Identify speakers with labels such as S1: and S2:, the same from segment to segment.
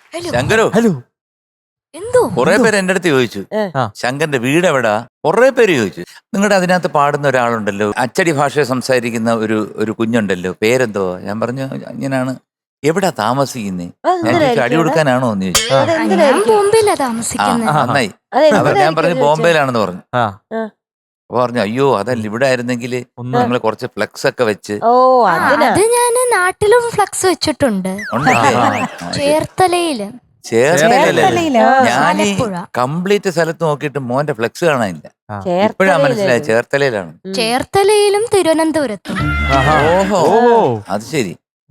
S1: ശങ്കരോ,
S2: hello.
S3: എന്തോ
S1: കുറെ പേര് എന്റെ അടുത്ത് ചോദിച്ചു ശങ്കറിന്റെ വീട് എവിടാ. കുറെ പേര് ചോദിച്ചു. നിങ്ങളുടെ അതിനകത്ത് പാടുന്ന ഒരാളുണ്ടല്ലോ, അച്ചടി ഭാഷ സംസാരിക്കുന്ന ഒരു കുഞ്ഞുണ്ടല്ലോ, പേരെന്തോ? ഞാൻ പറഞ്ഞു ഇങ്ങനെയാണ്. എവിടാ താമസിക്കുന്നേ? ഞാൻ ചോദിച്ചു അടി കൊടുക്കാനാണോ എന്ന് ചോദിച്ചു.
S3: ഞാൻ ബോംബെയിലാ താമസിക്കുന്നത്.
S1: നന്നായി. ഞാൻ പറഞ്ഞു ബോംബെയിലാണെന്ന് പറഞ്ഞു. അപ്പൊ പറഞ്ഞു അയ്യോ അതല്ല, ഇവിടെ ആയിരുന്നെങ്കിൽ ഞങ്ങള് കുറച്ച് ഫ്ലെക്സ് ഒക്കെ വെച്ച്.
S3: അത് ഞാന് നാട്ടിലും ഫ്ലക്സ് വെച്ചിട്ടുണ്ട്. ചേർത്തലയില്.
S1: ഞാൻ കംപ്ലീറ്റ് സ്ഥലത്ത് നോക്കിയിട്ട് മോന്റെ ഫ്ലെക്സ് കാണാനില്ല. ഇപ്പഴാ മനസ്സിലായി ചേർത്തലയിലാണ്.
S3: ചേർത്തലയിലും തിരുവനന്തപുരത്തും.
S1: ഓഹോ, അത് ശരി.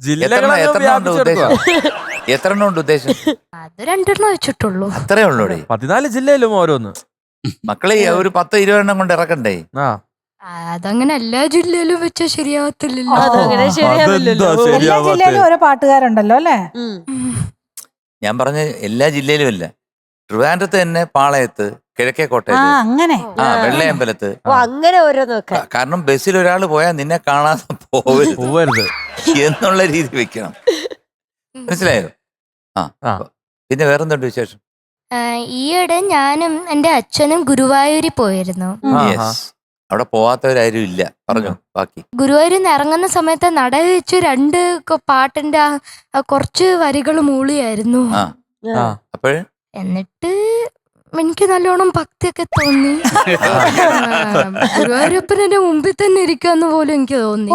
S1: എത്ര ഉണ്ട് ഉദ്ദേശം?
S3: അത് 2 വെച്ചിട്ടുള്ളൂ.
S1: അത്രേ ഉള്ളൂടെ?
S2: 14 ജില്ലയിലും ഓരോന്ന്.
S1: മക്കളെ ഒരു 10-20 കൊണ്ട് ഇറക്കണ്ടേ?
S3: അതങ്ങനെ എല്ലാ ജില്ലയിലും വെച്ചാൽ ശരിയാവത്തില്ലല്ലോ.
S4: എല്ലാ ജില്ലയിലും ഓരോ പാട്ടുകാരുണ്ടല്ലോ അല്ലേ?
S1: ഞാൻ പറഞ്ഞ എല്ലാ ജില്ലയിലും അല്ല. ട്രിവാൻഡ്രത്ത് തന്നെ പാളയത്ത്, കിഴക്കേക്കോട്ടയിൽ, വെള്ളയമ്പലത്ത്.
S5: അങ്ങനെ ഓരോന്നൊക്കെ.
S1: കാരണം ബസ്സിൽ ഒരാൾ പോയാൽ നിന്നെ കാണാതെ പോവരുത് എന്നുള്ള രീതി വെക്കണം. മനസ്സിലായോ? പിന്നെ വേറെന്തുണ്ട് വിശേഷം?
S3: ഈയിടെ ഞാനും എന്റെ അച്ഛനും ഗുരുവായൂരിൽ പോയിരുന്നു.
S1: അവിടെ പോവാത്തവരാരും ഇല്ല. പറഞ്ഞു ബാക്കി.
S3: ഗുരുവായൂരിൽ നിന്ന് ഇറങ്ങുന്ന സമയത്ത് നട വെച്ച് 2 പാട്ടിന്റെ കുറച്ച് വരികൾ മൂളിയായിരുന്നു.
S1: അപ്പോഴ്
S3: എന്നിട്ട് എനിക്ക് നല്ലോണം ഭക്തിയൊക്കെ തോന്നി. ഗുരുവായൂരപ്പൻ എന്റെ മുമ്പിൽ തന്നെ ഇരിക്കാന്ന് പോലും എനിക്ക് തോന്നി.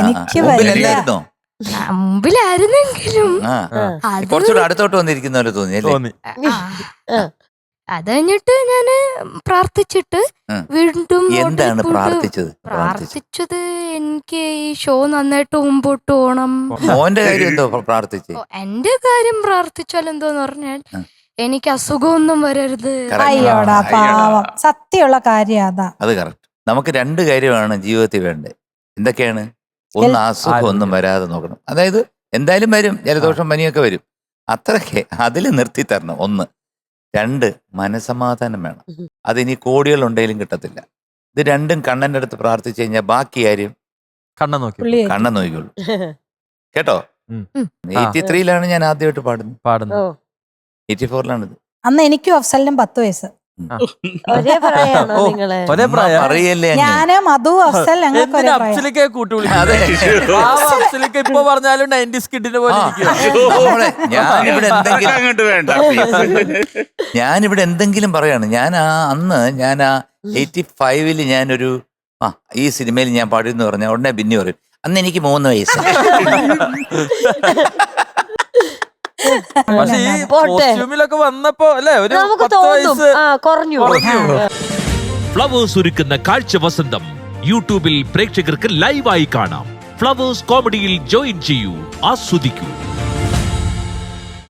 S3: മുമ്പിലായിരുന്നെങ്കിലും
S1: കുറച്ചുകൂടെ അടുത്തോട്ട് വന്നിരിക്കുന്ന പോലെ തോന്നി.
S3: അത് കഴിഞ്ഞിട്ട് ഞാന് പ്രാർത്ഥിച്ചിട്ട് വീണ്ടും
S1: എന്താണ്
S3: പ്രാർത്ഥിച്ചത്? എനിക്ക് ഈ ഷോ നന്നായിട്ട് മുമ്പോട്ട് പോണം.
S1: മോന്റെ കാര്യം എന്തോ പ്രാർത്ഥിച്ചു?
S3: എന്റെ കാര്യം പ്രാർത്ഥിച്ചാൽ എന്തോന്ന് പറഞ്ഞാൽ എനിക്ക് അസുഖമൊന്നും വരരുത്.
S4: സത്യമുള്ള കാര്യം അതാ.
S1: അത് കറക്റ്റ്. നമുക്ക് 2 കാര്യമാണ് ജീവിതത്തിൽ വേണ്ടത്. എന്തൊക്കെയാണ്? ഒന്ന്, അസുഖം ഒന്നും വരാതെ നോക്കണം. അതായത് എന്തായാലും വരും, ജലദോഷം പനിയൊക്കെ വരും. അത്രയ്ക്ക് അതിൽ നിർത്തി തരണം. 1. 2, മനസമാധാനം വേണം. അതിനി കോടികൾ ഉണ്ടെങ്കിലും കിട്ടത്തില്ല. ഇത് 2ഉം കണ്ണന്റെ അടുത്ത് പ്രാർത്ഥിച്ചു കഴിഞ്ഞാൽ ബാക്കി കാര്യം കണ്ണൻ നോക്കിക്കോളൂ. കേട്ടോ? 83-ലാണ് ഞാൻ ആദ്യമായിട്ട് പാടുന്നത്. 84-ലാണിത്.
S4: അന്ന് എനിക്കും അഫ്സലിനും 10 വയസ്സ്.
S5: ഒരേ പ്രായമാണോ നിങ്ങള്?
S1: പറയല്ലേ
S4: ഞാന് മധു അഫ്സൽ ഞങ്ങൾക്ക്
S2: ഇപ്പൊ പറഞ്ഞാലും 90s കിഡിനെ പോലെ
S1: ഞാനിവിടെ എന്തെങ്കിലും പറയാണ്. അന്ന് ഞാൻ 85-ല് ഞാനൊരു ഈ സിനിമയിൽ ഞാൻ പാടിയെന്ന് പറഞ്ഞാൽ ഉടനെ ബിന്നി പറയും അന്ന് എനിക്ക് 3 വയസ്സ്.
S2: പക്ഷെ ഈ കോസ്റ്റ്യൂമിലൊക്കെ വന്നപ്പോ അല്ലേ ഒരു 10 വയസ്സ്
S5: കുറഞ്ഞു.
S6: ഫ്ലവേഴ്സ് ഒരുക്കുന്ന കാഴ്ച വസന്തം യൂട്യൂബിൽ പ്രേക്ഷകർക്ക് ലൈവായി കാണാം. ഫ്ലവേഴ്സ് കോമഡിയിൽ ജോയിൻ ചെയ്യൂ, ആസ്വദിക്കൂ.